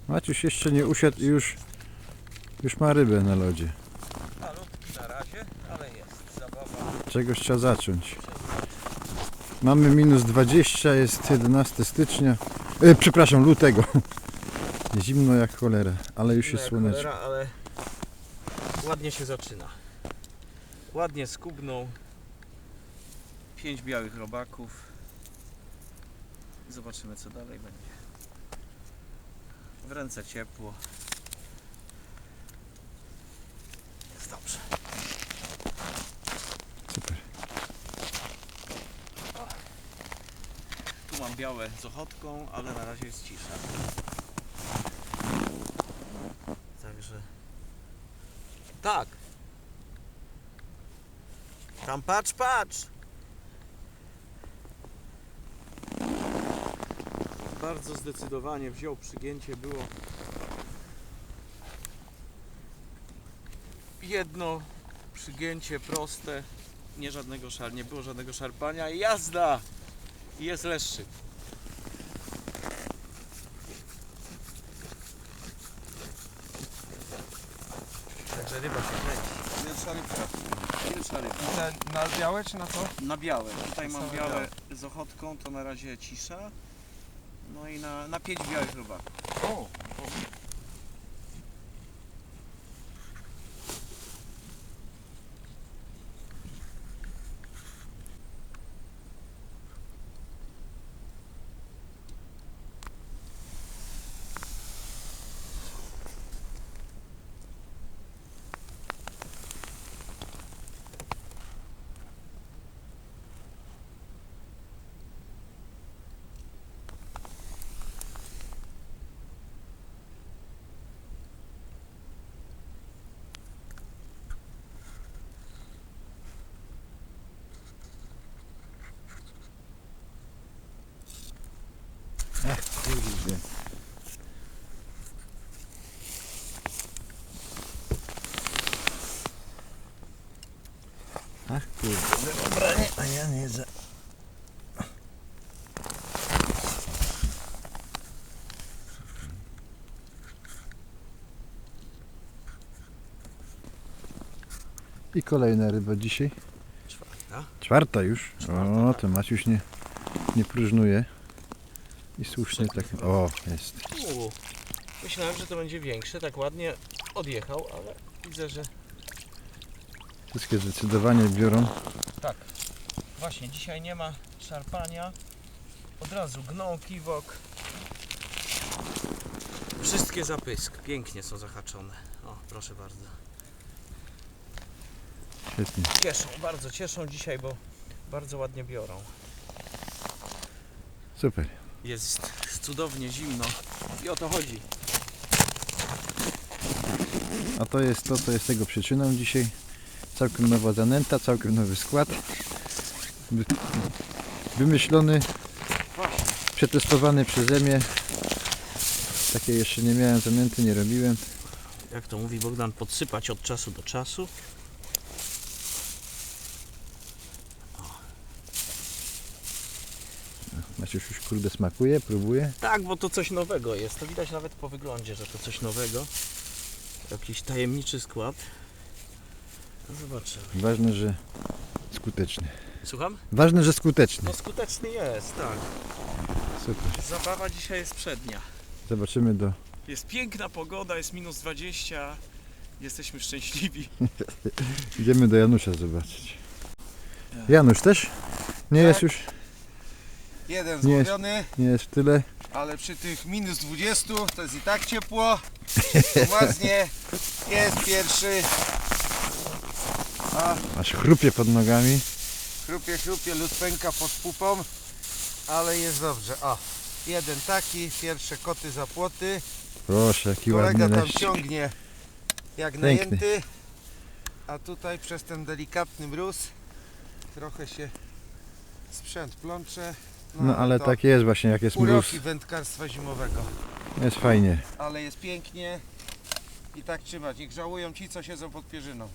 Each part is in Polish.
Maciuś jeszcze nie usiadł i już ma rybę na lodzie. Malutki na razie, ale jest zabawa. Czegoś trzeba zacząć. Mamy minus 20, jest 11 stycznia. Przepraszam, lutego. Zimno jak cholera, ale już jest słoneczko. Cholera, ale ładnie się zaczyna. Ładnie skubnął. 5 białych robaków. Zobaczymy, co dalej będzie. W ręce ciepło. Jest dobrze. Super. Tu mam białe z ochotką, ale na razie jest cisza. Także... Tak! Tam patrz, patrz! Bardzo zdecydowanie wziął przygięcie, było jedno przygięcie proste, nie było żadnego szarpania i jazda! I jest leszczyk. Także ryba się kręci. Pierwsza rybka. Pierwsza ryba. Te na białe czy na co? Na białe. Tutaj mam Same białe z ochotką, to na razie cisza. No i na 5 białych robaków. O! Kurde. Ach kurde, dobra, nie, a ja nie za... I kolejna ryba dzisiaj. Czwarta. Czwarta już. Czwarta, O, tak. to Maciuś nie próżnuje. I słusznie tak. O, jest. Myślałem, że to będzie większe, tak ładnie odjechał, ale widzę, że Wszystkie zdecydowanie biorą. tak. Właśnie, dzisiaj nie ma szarpania. Od razu gną, kiwok. Wszystkie zapysk. Pięknie są zahaczone. O, proszę bardzo. Świetnie. Cieszą, bardzo cieszą dzisiaj, bo bardzo ładnie biorą. Super. Jest cudownie zimno i o to chodzi. A to jest to, co jest tego przyczyną dzisiaj. Całkiem nowa zanęta, całkiem nowy skład. Wymyślony, Właśnie. przetestowany przeze mnie. Takiej jeszcze nie miałem zanęty, nie robiłem. Jak to mówi Bogdan, podsypać od czasu do czasu. Maciuś już kurde smakuje, próbuje. Tak, bo to coś nowego jest. To widać nawet po wyglądzie, że to coś nowego. Jakiś tajemniczy skład. No zobaczymy. Ważne, że skuteczny. Słucham? Ważne, że skuteczny. No skuteczny jest, tak. Super. Zabawa dzisiaj jest przednia. Zobaczymy do... Jest piękna pogoda, jest minus 20. Jesteśmy szczęśliwi. Idziemy do Janusza zobaczyć. Janusz też? Nie jest już, Jeden Nie. złowiony, nie jest w tyle. ale przy tych minus 20 to jest i tak ciepło. Ładnie. Jest pierwszy. A Aż chrupie pod nogami. chrupie, lód pęka pod pupą. Ale jest dobrze. O, jeden taki, pierwsze koty za płoty. Proszę, jaki ładny Kolega tam leszcz. ciągnie jak Piękny. najęty. A tutaj przez ten delikatny mróz trochę się sprzęt plącze. No ale to tak jest właśnie, jak jest mróz. uroki wędkarstwa zimowego. Jest fajnie. Ale jest pięknie i tak trzymać. Niech żałują ci, co siedzą pod pierzyną.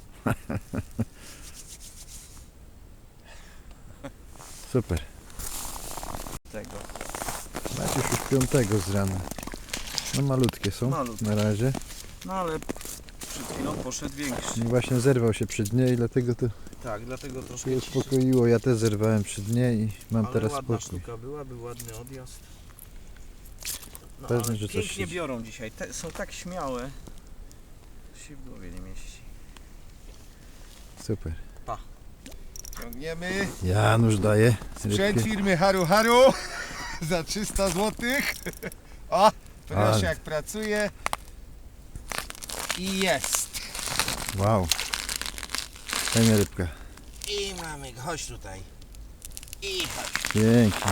Super. Tego. Macie już 5 z rana. No malutkie są Malutkie. na razie. No ale przed chwilą poszedł większy. I właśnie zerwał się przy dnie i dlatego to Tak, dlatego się troszkę ciszy. uspokoiło. Ja też zerwałem przy dnie i mam Ale teraz ładna spokój. sztuka była, był ładny odjazd. No Pewnie, ale że coś pięknie siedzi. biorą dzisiaj. Są tak śmiałe. To się w głowie nie mieści. Super. Ciągniemy. Janusz daje Sprzęt rybkę. firmy Haru Haru za 300 zł. O, proszę Ale. jak pracuje. I jest. Wow. Fajna rybka. I mamy go, chodź tutaj. I chodź. Pięknie.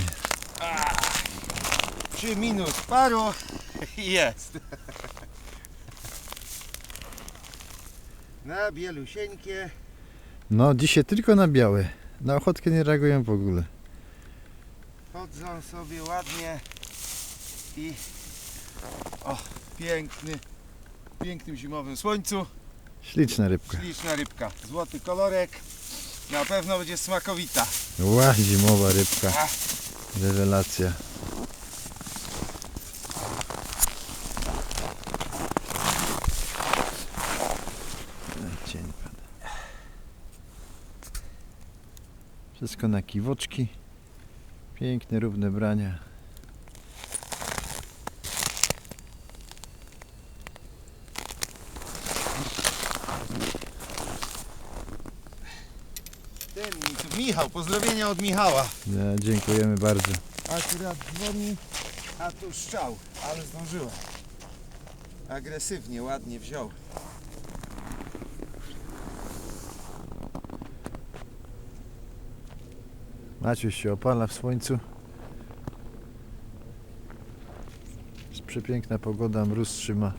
Przy minus paru jest. Na bielusieńkie. No dzisiaj tylko na białe. Na ochotkę nie reagują w ogóle. Chodzą sobie ładnie i o, piękny, w pięknym zimowym słońcu. Śliczna rybka. Śliczna rybka, złoty kolorek. Na pewno będzie smakowita. Ła, zimowa rybka. Rewelacja. Cień pada. Wszystko na kiwoczki. Piękne, równe brania. Michał, pozdrowienia od Michała. Ja, dziękujemy bardzo. Akurat dzwoni, a tu strzał, ale zdążyłem. Agresywnie, ładnie wziął. Maciuś się opala w słońcu. Jest przepiękna pogoda, mróz trzyma.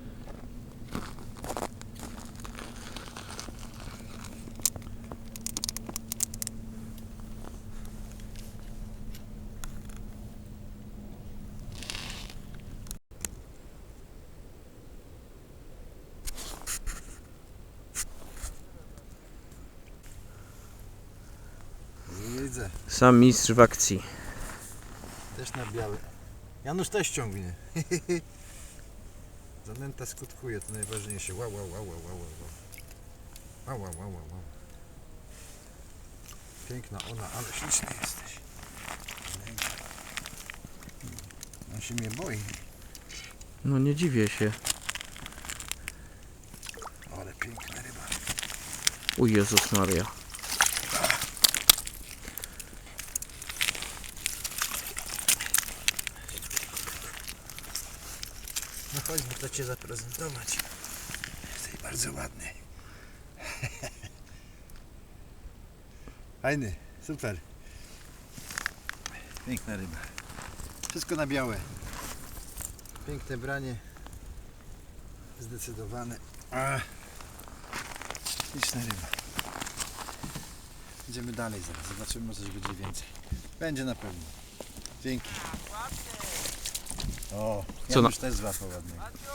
Widzę. Sam mistrz w akcji. Też na białe. Janusz też ciągnie. Zanęta skutkuje, to najważniejsze. Wow, wow, wow, wow, wow, wow. Wow, wow, wow, wow. Piękna ona, ale śliczny jesteś. On się mnie boi. No nie dziwię się. Ale piękna ryba. U Jezus Maria. No chodźmy to Cię zaprezentować. Jesteś bardzo ładny. Fajny, super. Piękna ryba. Wszystko na białe. Piękne branie. Zdecydowane. Śliczna ryba. Idziemy dalej zaraz. Zobaczymy, może coś będzie więcej. Będzie na pewno. Dzięki. O, Co Janusz też złapał ładnie.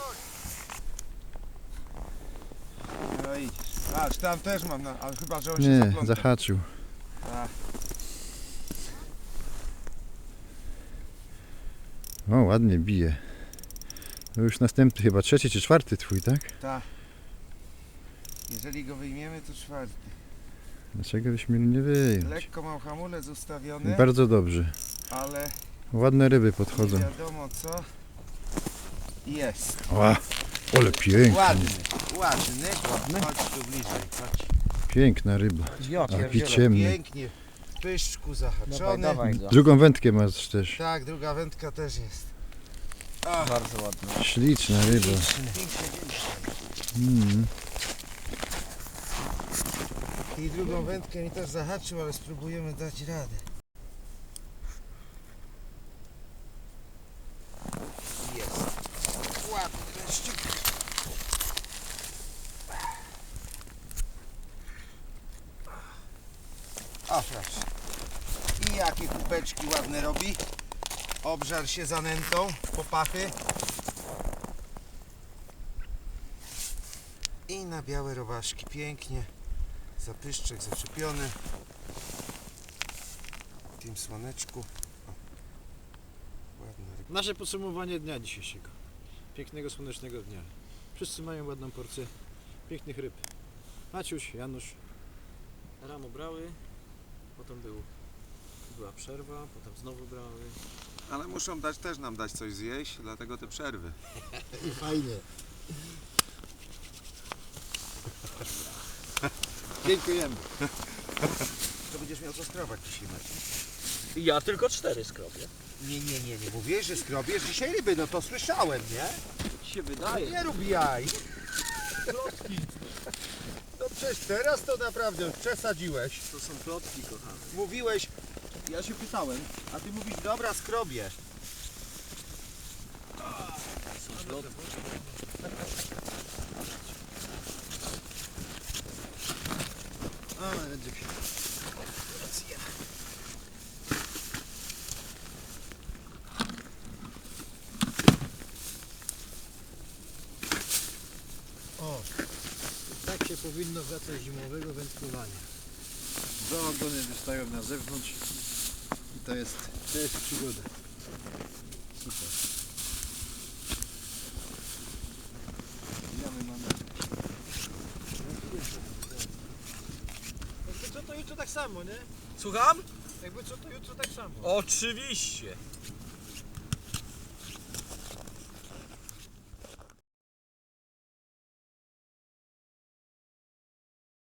No i patrz, tam też mam, ale chyba, że on się Nie, zaplątał. zahaczył. Tak. O, ładnie bije. To już następny, chyba trzeci czy czwarty twój, tak? Tak. Jeżeli go wyjmiemy, to czwarty. Dlaczego byśmy nie wyjąć? Lekko mam hamulec ustawiony, Bardzo dobrze. ale Ładne ryby nie podchodzą. wiadomo co. Jest. O, ale piękny. Ładny, ładny. Chodź tu bliżej, chodź. Piękna ryba. Ja Taki ciemny. Pięknie. W pyszczku zahaczony. go. Drugą wędkę masz też. Tak, druga wędka też jest. O, Bardzo ładny. Śliczna ryba. Mm. I drugą wędkę mi też zahaczył, ale spróbujemy dać radę. Jest. Ładny leszczyk. O, proszę. I jakie kubeczki ładne robi. Obżar się zanętą, popachy. I na białe robaszki, pięknie. Zapyszczek zaczepiony. W tym słoneczku. O, ładna ryba. Nasze podsumowanie dnia dzisiejszego. pięknego, słonecznego dnia. Wszyscy mają ładną porcję pięknych ryb. Maciuś, Janusz. Rano brały, potem była przerwa, potem znowu brały. Ale muszą też nam dać coś zjeść, dlatego te przerwy. I fajnie. Dziękujemy. To będziesz miał co skrobać dzisiaj, Maciej. Ja tylko 4 skrobię. Nie mówiłeś, że skrobiesz dzisiaj ryby, no to słyszałem, nie? Się wydaje. Nie rób jaj. No przecież teraz to naprawdę przesadziłeś. To są plotki, kochany. Mówiłeś, ja się pytałem, a ty mówisz, dobra, skrobię. Są plotki. Ale będzie się. O, tak się powinno wracać zimowego wędkowania. Dwa ogony wystają na zewnątrz i to jest przygoda. Super. Jamy mamy. Jakby co to jutro tak samo, nie? Słucham? Jakby co to jutro tak samo. Oczywiście.